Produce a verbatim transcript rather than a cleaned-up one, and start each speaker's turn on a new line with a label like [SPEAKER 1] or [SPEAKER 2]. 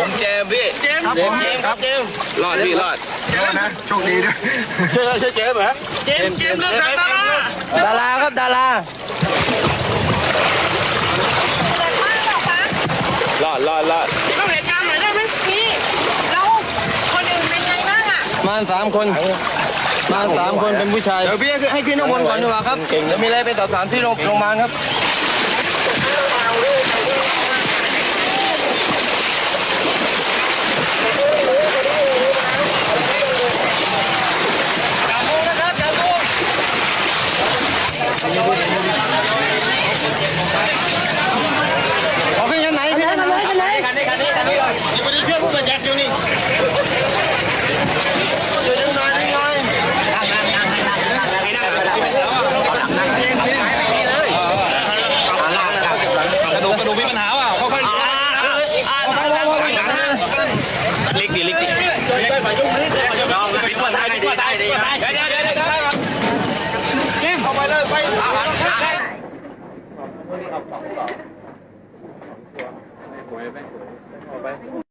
[SPEAKER 1] ผมเจมพี่เจมเจมเจมครับเจมรอดพี่รอด
[SPEAKER 2] เจมนะโชคดีด้วย
[SPEAKER 1] ใช่ใช่เจมเหรอเจมเจมเรื่องดาราดาราครับดารารอดรอดรอด
[SPEAKER 3] เราเหตุการณ์หน่อยได้ไหมพี่เราคนอื่นเป็นไงบ้างอ่ะ
[SPEAKER 1] มาสามคนมาสามคนเป็นผู้ชายเดี๋ยวพี่ให้ขึ้นข้างบนก่อนดีกว่าครับจะมีอะไรไปสอบถามที่โรงพยาบาลครับเอาขึ้นยันไหนขึ้นยันไหนคันไหนคันนี้คันนี้คันนี้เลยอยู่บนเครื่องผู้บรรยัดอยู่นี่อยู่ดึงหน่อยดึงหน่อยนั่งนั่งนั่งให้นั่งให้นั่งให้นั่งนั่งเองเองเลยกระดูกกระดูกมีปัญหาเปล่าค่อยๆเล็กดีเล็กดีลองปิดก่อนได้ดีได้ดีเดี๋ยวเดี๋ยวเดี๋ยวรีบเข้าไปเลยไปอาหารไม่ป่วยไม่ป่วยไม่ป่วย